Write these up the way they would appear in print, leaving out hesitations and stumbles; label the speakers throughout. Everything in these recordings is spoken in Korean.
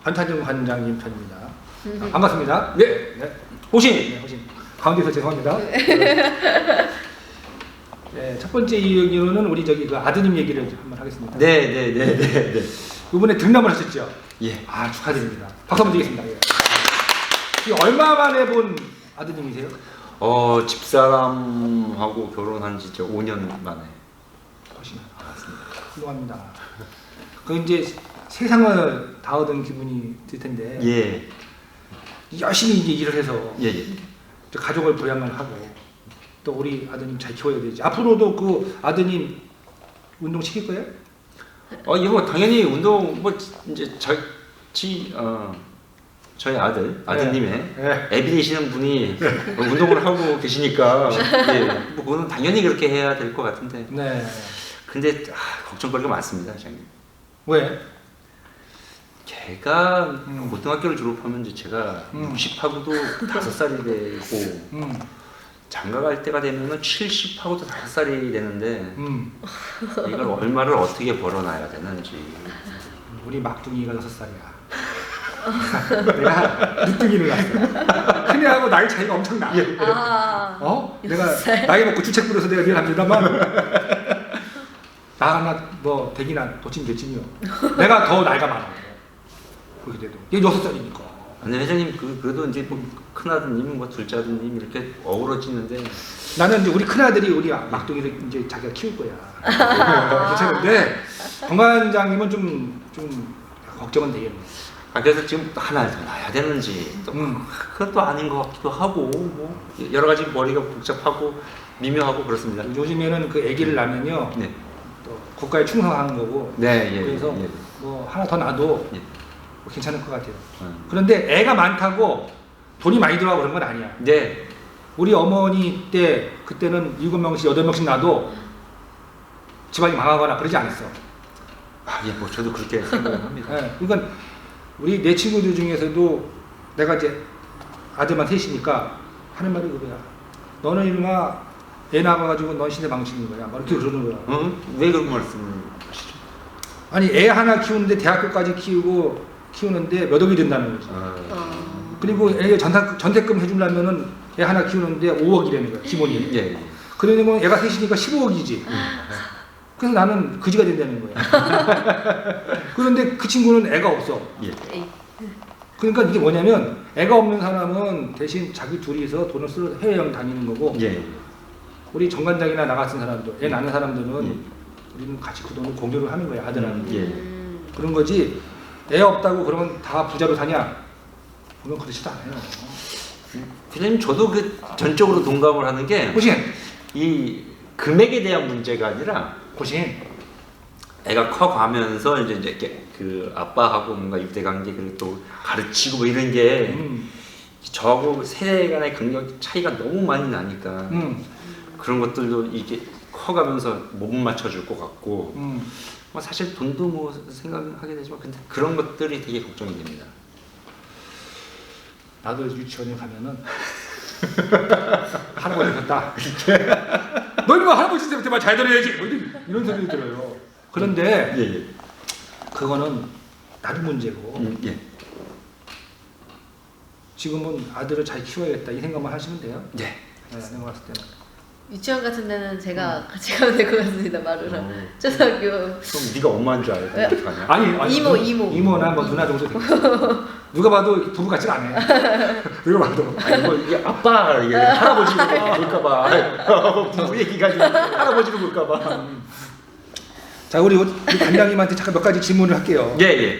Speaker 1: 반타정 관장님 편입니다. 반갑습니다. 네. 네. 호신. 네, 호신. 가운데서 죄송합니다. 네, 첫 번째 이유는 우리 저기 그 아드님 얘기를 한번 하겠습니다.
Speaker 2: 네.
Speaker 1: 이번에 등남을 하셨죠?
Speaker 2: 예.
Speaker 1: 아, 축하드립니다. 박수 한번 드리겠습니다. 예. 얼마 만에 본 아드님이세요?
Speaker 2: 집사람하고 결혼한 지 5년 만에.
Speaker 1: 훨씬 알았습니다. 훌륭합니다. 그 이제 세상을 다 얻은 기분이 들 텐데.
Speaker 2: 예.
Speaker 1: 열심히 이제 일을 해서
Speaker 2: 예.
Speaker 1: 가족을 부양을 하고 또 우리 아드님 잘 키워야 되지. 앞으로도 그 아드님 운동 시킬 거예요?
Speaker 2: 이거 당연히 운동 뭐 이제 저희 아드님의
Speaker 1: 네.
Speaker 2: 애비 되시는 분이 운동을 하고 계시니까 예, 뭐 그거는 당연히 그렇게 해야 될 것 같은데.
Speaker 1: 네.
Speaker 2: 근데 걱정거리가 많습니다, 장님.
Speaker 1: 왜?
Speaker 2: 걔가 고등학교를 졸업하면 이제 제가 60하고도 5살이 되고 장가 갈 때가 되면은 70하고도 5살이 되는데 이걸 얼마를 어떻게 벌어놔야 되는지.
Speaker 1: 우리 막둥이가 6살이야. 내가 늦둥이를 낳았어. 큰애하고 나이 차이가 엄청 나. 내가 나이 먹고 주책 부려서 내가 미안합니다만 나나 뭐 대기나 도친 개친이요. 내가 더 나이가 많아. 그렇게 돼도 얘 6살이니까.
Speaker 2: 근데 회장님 그래도 이제 뭐 큰아드님 뭐 둘째 아드님 이렇게 어우러지는데
Speaker 1: 나는 이제 우리 큰아들이 우리 막둥이를 이제 자기가 키울 거야. 괜찮은데 건강장님은 좀 걱정은 되겠네.
Speaker 2: 그래서 지금 하나 더 놔야 되는지 또 그것도 아닌 것 같기도 하고 뭐 여러 가지 머리가 복잡하고 미묘하고 그렇습니다.
Speaker 1: 요즘에는 그 아기를 낳으면요,
Speaker 2: 네.
Speaker 1: 또 국가에 충성하는 거고.
Speaker 2: 네, 예.
Speaker 1: 그래서
Speaker 2: 예.
Speaker 1: 뭐 하나 더 놔도
Speaker 2: 예.
Speaker 1: 뭐 괜찮을 것 같아요. 그런데 애가 많다고 돈이 많이 들어가고 그런 건 아니야.
Speaker 2: 네.
Speaker 1: 우리 어머니 때 그때는 7명씩 8명씩 놔도 집안이 망하거나 그러지 않았어.
Speaker 2: 예, 뭐 저도 그렇게 생각을 합니다.
Speaker 1: 네, 그러니까 우리 내 친구들 중에서도 내가 이제 아들만 셋이니까 하는 말이 그거야. 너는 이놈아 애 낳아가지고 넌 시대 망치는 거야. 막 이렇게 그러는 거야.
Speaker 2: 왜 그런 말씀을 하시죠?
Speaker 1: 아니 애 하나 키우는데 대학교까지 키우는데 몇 억이 든다는 거지. 그리고 애 전세금 해주려면은 애 하나 키우는데 5억이라는 거야. 기본이.
Speaker 2: 예.
Speaker 1: 그러면 애가 셋이니까 15억이지. 그래서 나는 그지가 된다는 거야. 그런데 그 친구는 애가 없어.
Speaker 2: 예.
Speaker 1: 그러니까 이게 뭐냐면 애가 없는 사람은 대신 자기 둘이서 돈을 쓰러 해외여행 다니는 거고.
Speaker 2: 예.
Speaker 1: 우리 정관장이나 나 같은 사람들, 애 낳는 사람들은 우리는 같이 그 돈을 공유를 하는 거야, 아들하고.
Speaker 2: 예.
Speaker 1: 그런 거지. 애 없다고 그러면 다 부자로 사냐? 그건 그렇지도 않아요.
Speaker 2: 회장님 저도 그 전적으로 동감을 하는 게
Speaker 1: 호신!
Speaker 2: 이 금액에 대한 문제가 아니라
Speaker 1: 호신!
Speaker 2: 애가 커가면서 이제 이렇게 그 아빠하고 뭔가 유대관계 그리고 또 가르치고 뭐 이런 게 저하고 세대 간의 간격 차이가 너무 많이 나니까 그런 것들도 이게 커가면서 못 맞춰줄 것 같고 뭐 사실 돈도 뭐 생각하게 되지만 근데 그런 것들이 되게 걱정이 됩니다.
Speaker 1: 나도 유치원에 가면은 할아버지 같다. 너 이거 할아버지 때부터 말 잘 들어야지. 뭐 이런 소리 들어요. 그런데
Speaker 2: 예.
Speaker 1: 그거는 나도 문제고
Speaker 2: 예.
Speaker 1: 지금은 아들을 잘 키워야겠다 이 생각만 하시면 돼요.
Speaker 2: 예.
Speaker 1: 네, 내가 봤을 때는.
Speaker 3: 유치원 같은 데는 제가 같이 가면 될 것 같습니다. 마루랑 초등학교.
Speaker 2: 그럼 네가 엄마인 줄 알고 어떡하냐?
Speaker 1: 아니 이모나 뭐 누나 정도 돼. 누가 봐도 부부 같지가 않아요. 누가 봐도.
Speaker 2: 아니 뭐 이게 아빠 이게 할아버지로 볼까봐 부부 얘기가 할아버지로 볼까봐.
Speaker 1: 자 우리 관장님한테 잠깐 몇 가지 질문을 할게요.
Speaker 2: 예.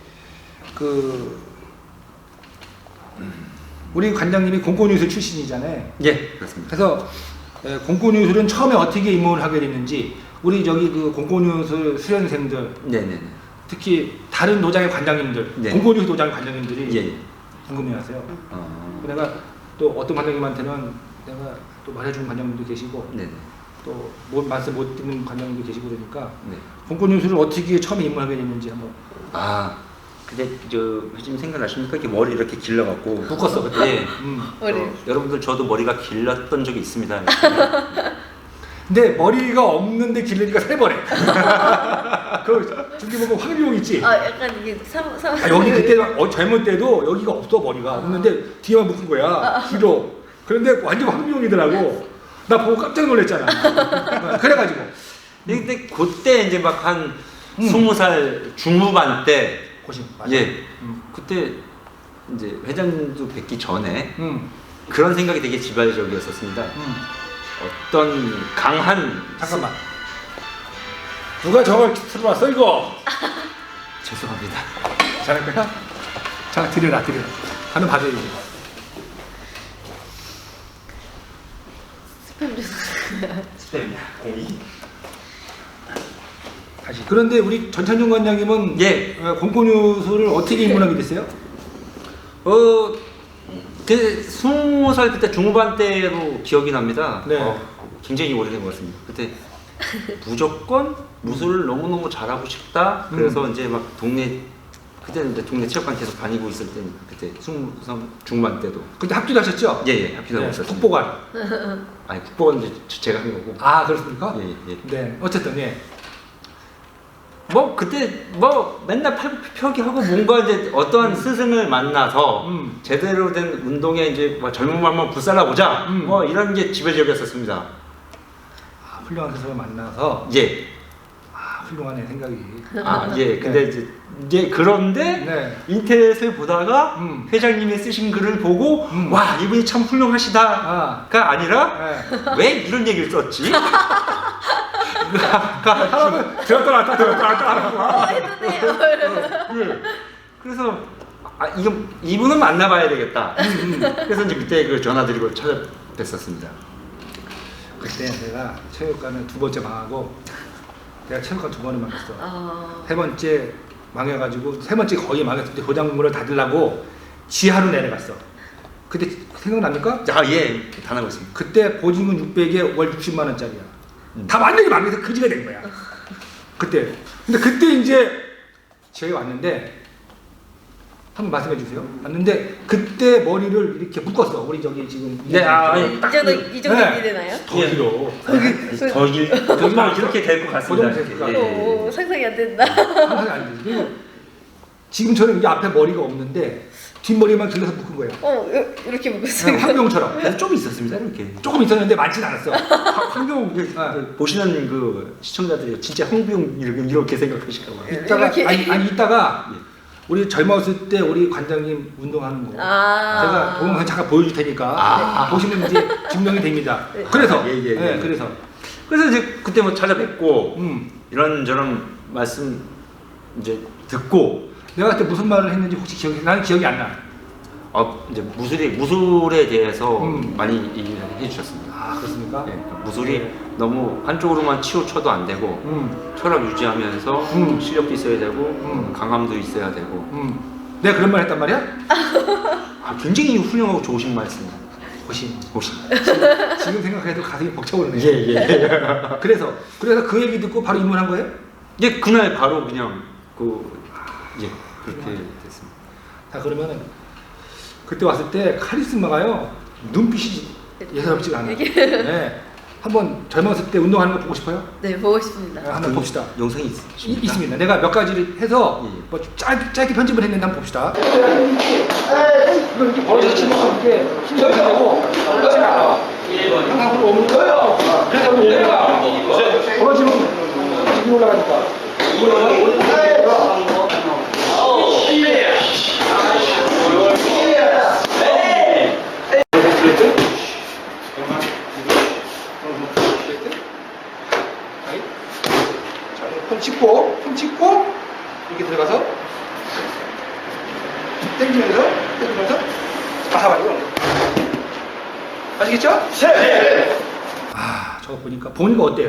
Speaker 1: 우리 관장님이 공권유술 출신이잖아요.
Speaker 2: 예, 그렇습니다.
Speaker 1: 그래서 공권유술은 처음에 어떻게 입문을 하게 됐는지 우리 저기 그 공권유술 수련생들
Speaker 2: 네네네.
Speaker 1: 특히 다른 노장의 관장님들
Speaker 2: 네.
Speaker 1: 공권유술 노장의 관장님들이
Speaker 2: 예.
Speaker 1: 궁금해하세요. 내가 또 어떤 관장님한테는 내가 또 말해주는 관장님도 계시고
Speaker 2: 네네.
Speaker 1: 또 말씀 못 듣는 관장님도 계시고 그러니까
Speaker 2: 네.
Speaker 1: 공권유술을 어떻게 처음에 입문하게 됐는지 한번.
Speaker 2: 근데 저 회장님 생각나십니까? 이렇게 머리 이렇게 길러갖고
Speaker 1: 묶었어 그때.
Speaker 3: 머리.
Speaker 2: 여러분들 저도 머리가 길렀던 적이 있습니다.
Speaker 1: 근데 머리가 없는데 기르니까 세 번에. 그 저기 보고 황비용 있지?
Speaker 3: 약간 이게
Speaker 1: 여기 그때 젊을 때도 여기가 없어 머리가 없는데 뒤에만 묶은 거야 뒤로. 그런데 완전 황비용이더라고. 나 보고 깜짝 놀랐잖아. 그래가지고.
Speaker 2: 근데 그때 이제 막 한 20살 중후반 때
Speaker 1: 고심 맞아.
Speaker 2: 예. 그때 이제 회장님도 뵙기 전에
Speaker 1: 응.
Speaker 2: 그런 생각이 되게 지발적이었었습니다. 어떤 강한
Speaker 1: 잠깐만. 누가 저걸 들어왔어 이거?
Speaker 2: 죄송합니다.
Speaker 1: 잘할 거야? 자 드려라. 나는 받아야지.
Speaker 3: 스팸 주스.
Speaker 2: 스팸이야. 공이.
Speaker 1: 다시. 그런데 우리 전찬종 관장님은
Speaker 2: 예.
Speaker 1: 공포뉴스를 어떻게 입문하게 됐어요?
Speaker 2: 그 20살 그때 중후반 때로 기억이 납니다.
Speaker 1: 네.
Speaker 2: 굉장히 오래된 것 같습니다. 그때 무조건 무술을 너무너무 잘하고 싶다. 그래서 이제 막 그때는 이제 동네 체육관 계속 다니고 있을 때 그때 20살 중반 때도.
Speaker 1: 근데 합주도 하셨죠?
Speaker 2: 예, 합기도 하고 있었습니다.
Speaker 1: 국보관.
Speaker 2: 아니 국보관 이제 제가 한 거고.
Speaker 1: 아 그렇습니까?
Speaker 2: 예.
Speaker 1: 네. 어쨌든 예.
Speaker 2: 뭐 그때 뭐 맨날 팔굽혀펴기하고 뭔가 이제 어떠한 스승을 만나서 제대로 된 운동에 이제 뭐 젊은 마음만 불살라 보자 뭐 이런 게 지배적이었었습니다.
Speaker 1: 아, 훌륭한 스승을 만나서
Speaker 2: 예.
Speaker 1: 아 훌륭하네 생각이.
Speaker 2: 예. 근데 이제 그런데
Speaker 1: 네.
Speaker 2: 인터넷을 보다가 회장님이 쓰신 글을 보고 와 이분이 참 훌륭하시다가 아니라
Speaker 1: 네.
Speaker 2: 왜 이런 얘기를 썼지?
Speaker 1: 들었다 놨다
Speaker 3: 했는데.
Speaker 2: 그래서 이분은 만나봐야 되겠다. 그래서 이제 그때 그 전화드리고 찾아뵀었습니다.
Speaker 1: 그때 내가 체육관을 2번째 망하고 내가 체육관 2번을 망했어. 3번째 망해가지고 3번째 거의 망했을 때 교장 공부를 닫으려고 지하로 내려갔어. 그때 생각납니까?
Speaker 2: 예, 다 나고 있습니다.
Speaker 1: 그때 보증금 600에 월 60만 원짜리야. 다 완전히 망해서 그지가 된 거야. 그때. 근데 그때 이제 저희 왔는데 한번 말씀해 주세요. 왔는데 그때 머리를 이렇게 묶었어. 우리 저기 지금
Speaker 2: 네,
Speaker 3: 이 정도
Speaker 1: 네.
Speaker 3: 이되나요?
Speaker 1: 더 길어.
Speaker 2: 정말 이렇게 될 것 같습니다.
Speaker 1: 고정됐을까?
Speaker 2: 예.
Speaker 3: 상상이 안 된다.
Speaker 1: 상상이 안 되지. 그리고 지금처럼 이 앞에 머리가 없는데 뒷머리만 길러서 묶은 거예요.
Speaker 3: 이렇게 묶었어요.
Speaker 1: 황병처럼.
Speaker 2: 그래서 좀 있었습니다. 이렇게.
Speaker 1: 조금 있었는데 많진 않았어. 황병
Speaker 2: 보시는 그 시청자들이 진짜 황비용 이렇게 생각하실까 봐요.
Speaker 1: 이따가
Speaker 3: 이렇게.
Speaker 1: 아니 이따가 우리 젊었을 때 우리 관장님 운동하는 거 제가 동영상 잠깐 보여줄 테니까 보시면 이제 증명이 됩니다.
Speaker 3: 네.
Speaker 1: 그래서
Speaker 2: 예.
Speaker 1: 그래서
Speaker 2: 이제 그때 뭐 찾아뵙고 이런저런 말씀 이제 듣고
Speaker 1: 내가 그때 무슨 말을 했는지 혹시 나는 기억이 안 나.
Speaker 2: 이제 무술에 대해서 많이 얘기를 해주셨습니다.
Speaker 1: 아 그렇습니까?
Speaker 2: 예, 무술이 너무 한쪽으로만 치우쳐도 안 되고 철학 유지하면서 실력도 있어야 되고 강함도 있어야 되고.
Speaker 1: 내가 그런 말 했단 말이야?
Speaker 2: 굉장히 훌륭하고 좋으신 말씀.
Speaker 1: 고심.
Speaker 2: 보시.
Speaker 1: 지금 생각해도 가슴이 벅차오르네.
Speaker 2: 예.
Speaker 1: 그래서 그 얘기 듣고 바로 입문한 거예요?
Speaker 2: 예, 그날 바로 그냥 그렇게 됐습니다.
Speaker 1: 자 그러면은 그때 왔을 때 카리스마가요 눈빛이 예사롭지가 않아요. 네. 한번 젊었을 때 운동하는 거 보고 싶어요?
Speaker 3: 네, 보고 싶습니다.
Speaker 1: 네, 한번 봅시다.
Speaker 2: 영상이
Speaker 1: 있습니다. 내가 몇 가지를 해서 뭐 짧게 편집을 했는데 한번 봅시다. 이거 이렇게 벌어서 치면 이렇게 힘을 내고 항상 오는 거예요. 그래서 내가 벌어지면 지금 올라가니까. 손 짚고 이렇게 들어가서 당기면서 봐봐요. 아시겠죠? 네. 저거 보니까 어때요?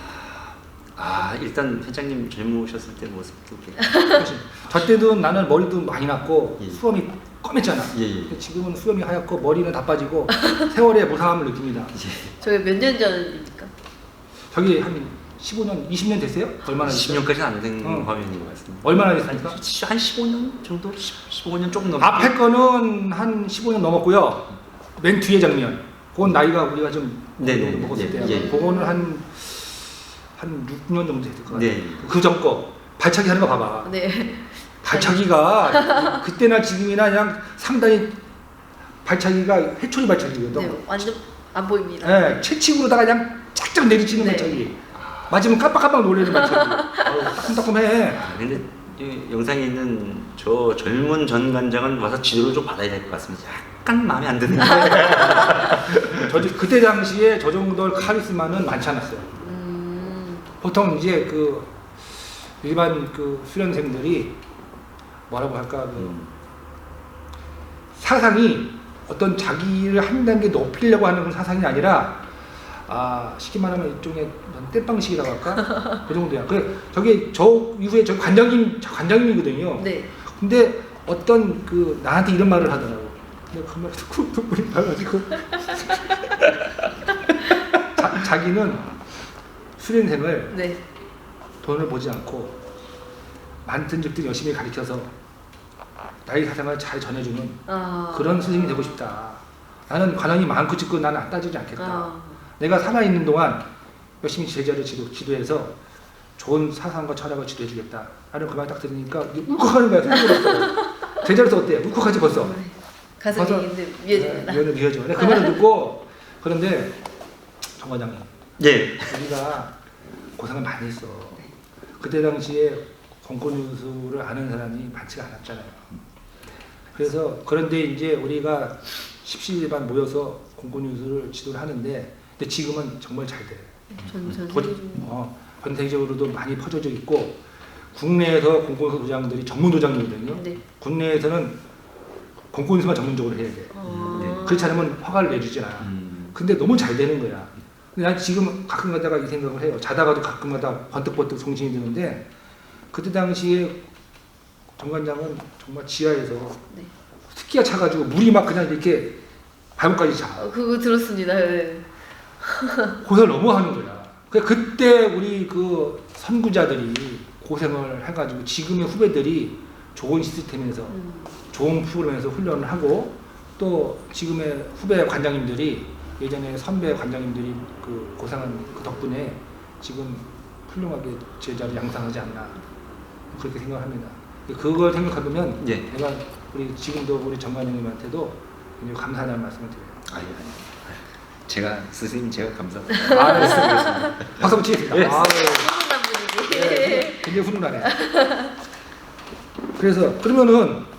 Speaker 2: 일단 회장님 젊으셨을 때 모습 이렇게.
Speaker 1: 저 때도 나는 머리도 많이 났고
Speaker 2: 예.
Speaker 1: 수염이 검했잖아.
Speaker 2: 예.
Speaker 1: 근데 지금은 수염이 하얗고 머리는 다 빠지고 세월의 무상함을 느낍니다.
Speaker 3: 저게 몇 년 전입니까?
Speaker 1: 저기 한 15년, 20년 됐어요? 얼마나 됐어요?
Speaker 2: 10년까지는 안 된 화면인 것 같습니다.
Speaker 1: 얼마나 됐습니까?
Speaker 2: 한 15년 정도? 15년 조금 넘게.
Speaker 1: 앞에 거는 한 15년 넘었고요. 맨 뒤에 장면. 그건 나이가 우리가 좀
Speaker 2: 네네.
Speaker 1: 먹었을
Speaker 2: 예,
Speaker 1: 때요.
Speaker 2: 예.
Speaker 1: 그거는 한 6년 정도 됐을 것 같아요.
Speaker 2: 네.
Speaker 1: 그 전 거. 발차기 하는 거 봐봐.
Speaker 3: 네.
Speaker 1: 발차기가 그때나 지금이나 그냥 상당히 발차기가 회초리 발차기거든.
Speaker 3: 네, 완전 안 보입니다.
Speaker 1: 네, 채찍으로다가 그냥 쫙쫙 내리치는
Speaker 3: 네.
Speaker 1: 발차기. 맞으면 깜빡깜빡 놀래는 발차기. 따끔따끔해.
Speaker 2: 근데 이 영상에 있는 저 젊은 전 관장은 와서 지도를 좀 받아야 될 것 같습니다. 약간 마음에 안 드는 거예요.
Speaker 1: 그때 당시에 저 정도 카리스마는 많지 않았어요. 보통 이제 그 일반 그 수련생들이 뭐라고 할까 그 사상이 어떤 자기를 한 단계 높이려고 하는 그런 사상이 아니라 쉽게 말하면 일종의 땜빵식이라고 할까 그 정도야. 저게 저 이후에 저 관장님이거든요.
Speaker 3: 네.
Speaker 1: 근데 어떤 그 나한테 이런 말을 하더라고. 내가 그 말 듣고 눈물이 나가지고 자기는 수련생을
Speaker 3: 네.
Speaker 1: 돈을 보지 않고 많은 집들 열심히 가르쳐서 나의 사상을 잘 전해주는 그런 스승이 되고 싶다. 나는 관원이 많고 짓고 나는 안 따지지 않겠다. 내가 살아있는 동안 열심히 제자를 지도해서 좋은 사상과 철학을 지도해주겠다. 나는 그 말 딱 들으니까 울컥하는 거야. 제자로서 어때? 울컥하지 벌써?
Speaker 3: 가슴이 미어집니다.
Speaker 1: 네, 미어져. 그 말을 듣고 그런데 정 과장님
Speaker 2: 예.
Speaker 1: 우리가 고생을 많이 했어. 그때 당시에 공권유수를 아는 사람이 많지가 않았잖아요. 그래서 그런데 이제 우리가 십시일반 모여서 공권유수를 지도를 하는데 근데 지금은 정말 잘 돼.
Speaker 3: 전 세계적으로.
Speaker 1: 전 세계적으로도 많이 퍼져져 있고 국내에서 공권유수 도장들이 전문 도장이거든요.
Speaker 3: 네.
Speaker 1: 국내에서는 공권유수만 전문적으로 해야 돼. 그렇지 않으면 허가를 내주지 않아. 근데 너무 잘 되는 거야. 근데 난 지금 가끔 가다가 이 생각을 해요. 자다가도 가끔 가다 번뜩번뜩 정신이 드는데 그때 당시에 정관장은 정말 지하에서
Speaker 3: 네.
Speaker 1: 습기가 차가지고 물이 막 그냥 이렇게 발목까지 차.
Speaker 3: 그거 들었습니다. 네.
Speaker 1: 고생을 너무 하는 거야. 그때 우리 그 선구자들이 고생을 해가지고 지금의 후배들이 좋은 시스템에서 좋은 프로그램에서 훈련을 하고 또 지금의 후배 관장님들이 예전에 선배 관장님들이 그 고생한 그 덕분에 지금 훌륭하게 제자를 양성하지 않나 그렇게 생각합니다. 그걸 생각하면
Speaker 2: 예.
Speaker 1: 내가 우리 지금도 우리 정관장님한테도 굉장히 감사하다는 말씀을 드려요.
Speaker 2: 아니. 제가 스승님 제가 감사합니다.
Speaker 1: 알겠습니다. 박수 한번 치겠습니다.
Speaker 2: 예.
Speaker 3: 훈훈한 분위기.
Speaker 1: 굉장히 훈훈하네. 그래서 그러면은